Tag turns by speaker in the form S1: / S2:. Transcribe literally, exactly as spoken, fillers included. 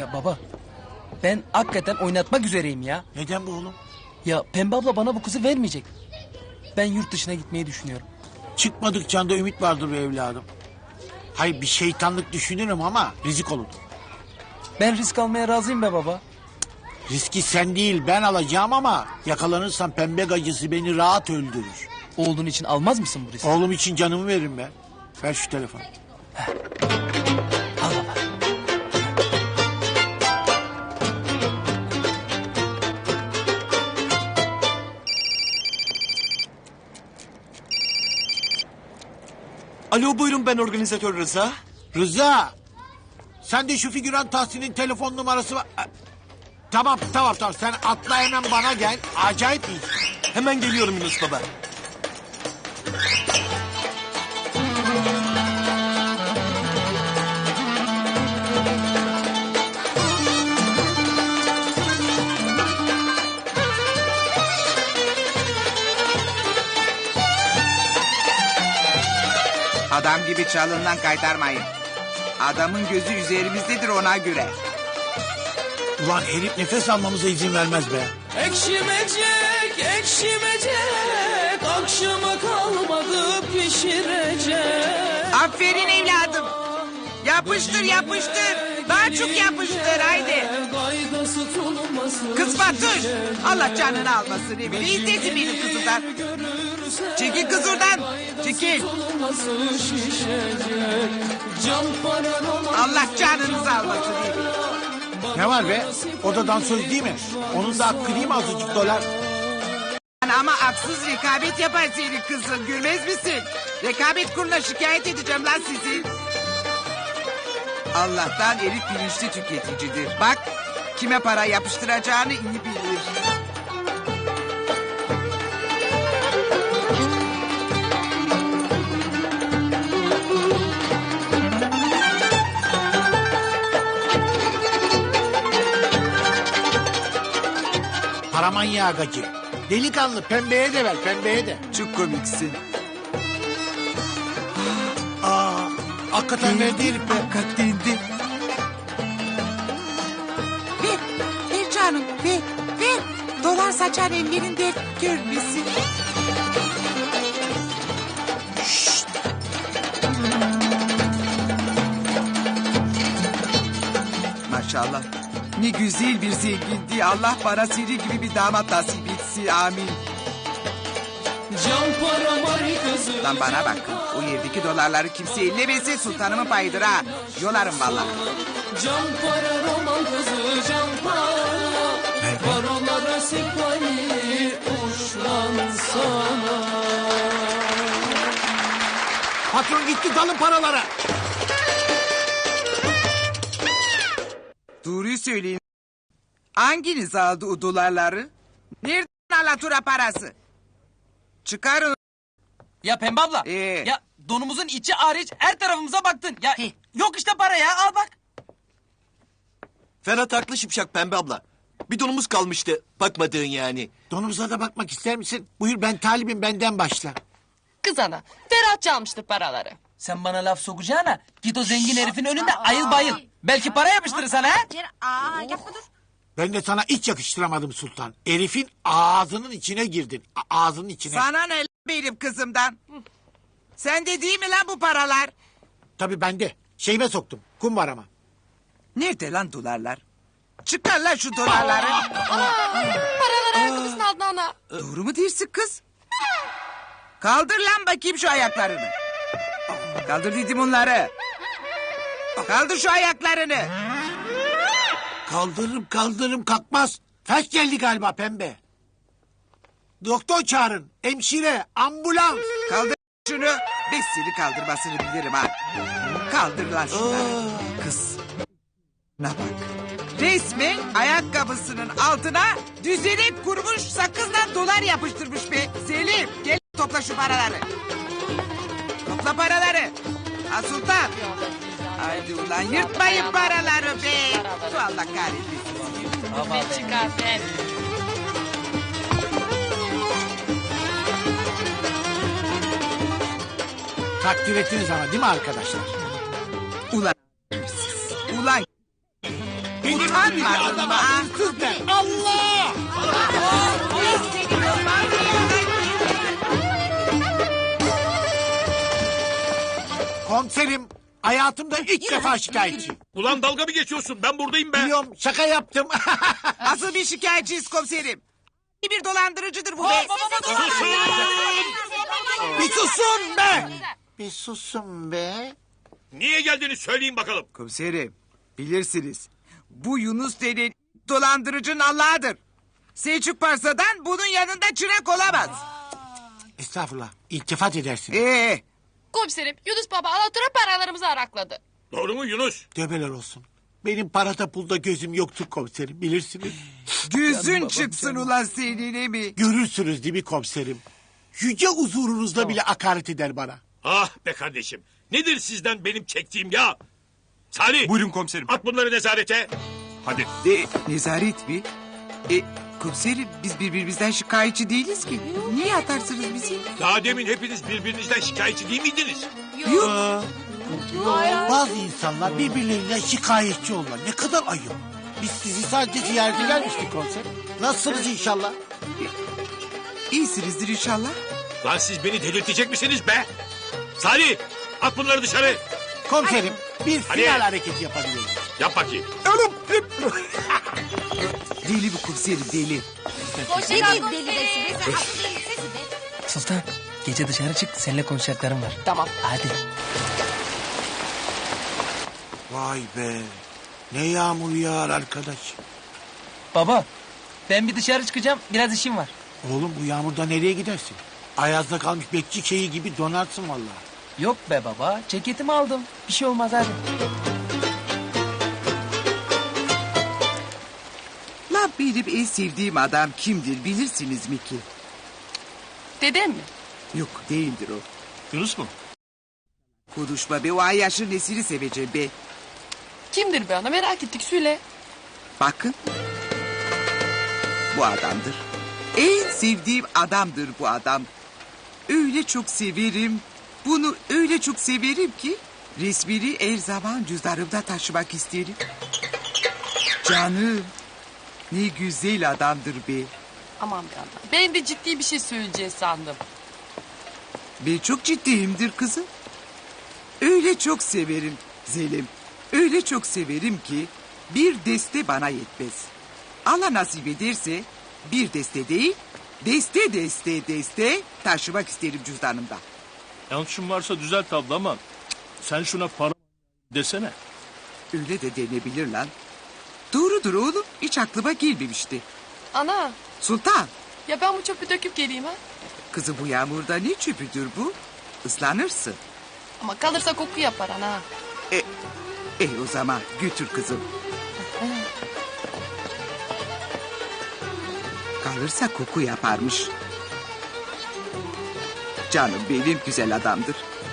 S1: Ya baba, ben hakikaten oynatmak üzereyim ya.
S2: Neden bu oğlum?
S1: Ya Pembe abla bana bu kızı vermeyecek. Ben yurt dışına gitmeyi düşünüyorum.
S2: Çıkmadıkça da ümit vardır be evladım. Hayır bir şeytanlık düşünürüm ama risk olur.
S1: Ben risk almaya razıyım be baba.
S2: Riski sen değil ben alacağım ama yakalanırsam pembe gacısı beni rahat öldürür.
S1: Olduğun için almaz mısın bu riski?
S2: Oğlum için canımı veririm ben. Ver şu telefonu.
S1: Al baba.
S3: Alo buyurun ben organizatör Rıza.
S2: Rıza. Sen de şu figüran Tahsin'in telefon numarası var. Tamam tamam tamam sen atla hemen bana gel. Acayip iyi.
S3: Hemen geliyorum Yunus Baba.
S4: Adam gibi çalından kaytarmayın. Adamın gözü üzerimizdedir ona göre.
S2: Ulan herif nefes almamıza izin vermez be.
S5: Ekşimecek, ekşimecek, akşama kalmadı pişirecek.
S4: Aferin evladım. Yapıştır yapıştır. Daha çok yapıştır haydi. Kız Fatoş. Allah canını almasın evini. İzlesin benim kızımdan. Çekil kız oradan. Çekil. Allah canınızı almasın evini.
S2: Ne var be? O da dansöz değil mi? Onun da hakkı değil mi azıcık dolar?
S4: Ama haksız rekabet yapar senin kızın. Gülmez misin? Rekabet kuruluna şikayet edeceğim lan sizi. Allah'tan herif bilinçli tüketicidir. Bak kime para yapıştıracağını iyi bilir.
S2: Paramanyağı gacı. Delikanlı pembeye de ver pembeye de.
S4: Çok komiksin.
S2: Aa, hakikaten verdi herif be.
S4: Hakikaten de. Ver, ver canım, ver, ver. Dolar saçan ellerin dert görmesin. Şşt. Maşallah. Ne güzel bir zenginliği. Allah bana seni gibi bir damat nasip etsin. Amin.
S5: Can para var kızı.
S4: Lan bana bak. O yerdeki dolarları kimse ellemesin. Sultanımın payıdır ha. Yolarım vallahi.
S5: Can para roman kızı, can para. Paralara sekvali uçlansana.
S2: Patron gitti dalın paralara.
S4: Doğruyu söyleyin. Hanginiz aldı o dolarları? Nereden alatura parası? Çıkarın.
S1: Ya Pembe abla.
S4: Ee?
S1: Ya donumuzun içi hariç her tarafımıza baktın. Ya
S4: Heh.
S1: yok işte para ya al bak.
S3: Ferhat haklı Şipşak Pembe abla. Bir donumuz kalmıştı bakmadığın yani.
S2: Donumuza da bakmak ister misin? Buyur ben talibim benden başla.
S6: Kız ana, Ferhat çalmıştır paraları.
S1: Sen bana laf sokacağına git o zengin herifin önünde ayıl bayıl. Belki para yapıştırır sana ha.
S7: Aa, yapma dur.
S2: Ben de sana hiç yakıştıramadım Sultan. Herifin ağzının içine girdin. A- ağzının içine.
S4: Sana ne benim kızımdan? Sen de değil mi lan bu paralar?
S2: Tabii ben de. Şeyime soktum. Kumbarama.
S4: Nerede lan dolarlar? Çıkar lan şu dolarları.
S6: Paraları ayakkabısının altına ana.
S4: Doğru mu dersin kız? Kaldır lan bakayım şu ayaklarını. Kaldır dedim onları. Kaldır şu ayaklarını.
S2: Kaldırırım kaldırırım kalkmaz. Felç geldi galiba pembe. Doktor çağırın. Hemşire. Ambulans.
S4: Kaldır şunu. Ben seni kaldırmasını bilirim ha. Kaldır lan şunları. Kız. Ne bak. Resmen ayakkabısının altına düzenip kurmuş sakızdan dolar yapıştırmış be. Selim gel topla şu paraları. Topla paraları. Ha Sultan. Haydi ulan yırtmayın paraları be. Su Allah kahretmesin.
S6: Ne çıkar ben.
S2: Takdir ettiniz ama değil mi arkadaşlar?
S4: Ulan siz. Ulan Utanmadın mı? ha?
S2: Hırsız be. Allah! Komiserim hayatımda ilk defa şikayetçi.
S7: Ulan dalga mı geçiyorsun? Ben buradayım be.
S2: Biliyorum şaka yaptım.
S4: Asıl bir şikayetçiyiz komiserim. Bir dolandırıcıdır bu be.
S2: Bir susun be. Bir susun be.
S7: Niye geldiğini söyleyin bakalım.
S4: Komiserim bilirsiniz. Bu Yunus denen dolandırıcının Allah'ıdır. Selçuk Parsa'dan bunun yanında çırak olamaz.
S2: Estağfurullah. İltifat edersin.
S4: Ee,
S6: Komiserim Yunus Baba alatura paralarımızı arakladı.
S7: Doğru mu Yunus?
S2: Tövbeler olsun. Benim parada pulda gözüm yoktur komiserim bilirsiniz.
S4: gözün çıksın ulan senin mi?
S2: Görürsünüz değil mi komiserim? Yüce huzurunuzda bile hakaret eder bana.
S7: Ah be kardeşim. Nedir sizden benim çektiğim ya? Salih.
S8: Buyurun komiserim.
S7: At bunları nezarete.
S8: Hadi.
S4: E, nezaret mi? E, komiserim biz birbirimizden şikayetçi değiliz ki. Niye atarsınız bizi?
S7: Daha demin hepiniz birbirinizden şikayetçi değil miydiniz?
S4: Yok.
S2: Bazı insanlar birbirlerinden şikayetçi olurlar. Ne kadar ayıp. Biz sizi sadece ziyarete gelmiştik komiserim. Nasılsınız inşallah?
S4: İyisinizdir inşallah.
S7: Lan siz beni delirtecek misiniz be? Salih at bunları dışarı.
S2: Komiserim bir
S7: Hadi.
S2: final hareketi yapabiliriz.
S7: Yap bakayım.
S4: Deli bu komiserim deli.
S1: Sultan gece dışarı çık seninle konuşacaklarım var.
S6: Tamam.
S1: Hadi.
S2: Vay be. Ne yağmur yağar arkadaş.
S1: Baba ben bir dışarı çıkacağım biraz işim var.
S2: Oğlum bu yağmurda nereye gidersin? Ayazda kalmış bekçi şeyi gibi donarsın vallahi.
S1: Yok be baba ceketimi aldım. Bir şey olmaz hadi.
S4: La benim en sevdiğim adam kimdir bilirsiniz mi ki?
S6: Dedem mi?
S4: Yok değildir o.
S8: Yunus mu?
S4: Konuşma be o Ayyaş'ın nesini seveceğim be.
S6: Kimdir be ana merak ettik söyle.
S4: Bakın. Bu adamdır. En sevdiğim adamdır bu adam. Öyle çok severim. Bunu öyle çok severim ki resmini her zaman cüzdanımda taşımak isterim. Canım. Ne güzel adamdır be.
S6: Aman be ana. Ben de ciddi bir şey söyleyeceğiz sandım.
S4: Ben çok ciddiyimdir kızım. Öyle çok severim Zelim. Öyle çok severim ki bir deste bana yetmez. Allah nasip ederse bir deste değil, deste deste deste taşımak isterim cüzdanımda.
S8: Yanlışım varsa düzelt abla ama sen şuna para desene.
S4: Öyle de denebilir lan. Doğrudur oğlum, hiç aklıma gelmemişti.
S6: Ana
S4: Sultan,
S6: ya ben bu çöpü döküp geleyim ha.
S4: kızı bu yağmurda ne çöpüdür bu? Islanırsın.
S6: Ama kalırsa koku yapar ana.
S4: E, e o zaman götür kızım. Kalırsa koku yaparmış. Canım benim güzel adamdır.